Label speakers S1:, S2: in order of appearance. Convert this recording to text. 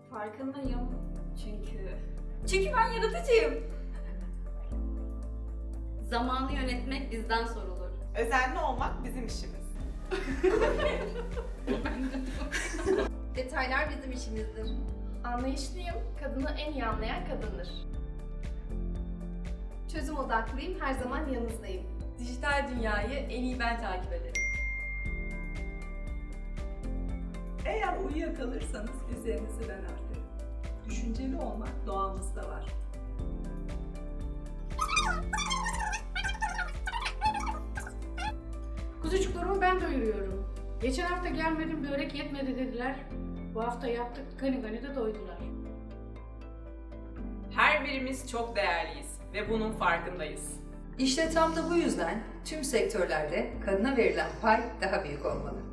S1: Farkındayım. Çünkü ben yaratıcıyım.
S2: Zamanı yönetmek bizden sorulur.
S3: Özenli olmak bizim işimiz.
S2: Detaylar bizim işimizdir.
S4: Anlayışlıyım, kadını en iyi anlayan kadındır. Çözüm odaklıyım, her zaman yanınızdayım.
S1: Dijital dünyayı en iyi ben takip ederim.
S5: Eğer uyuyakalırsanız üzerinizi ben örterim. Düşünceli olmak doğamızda var.
S6: Kuzucuklarımı ben doyuruyorum. Geçen hafta gelmedim, börek yetmedi dediler. Bu hafta yaptık, gani gani de doydular.
S7: Her birimiz çok değerliyiz ve bunun farkındayız.
S8: İşte tam da bu yüzden tüm sektörlerde kadına verilen pay daha büyük olmalı.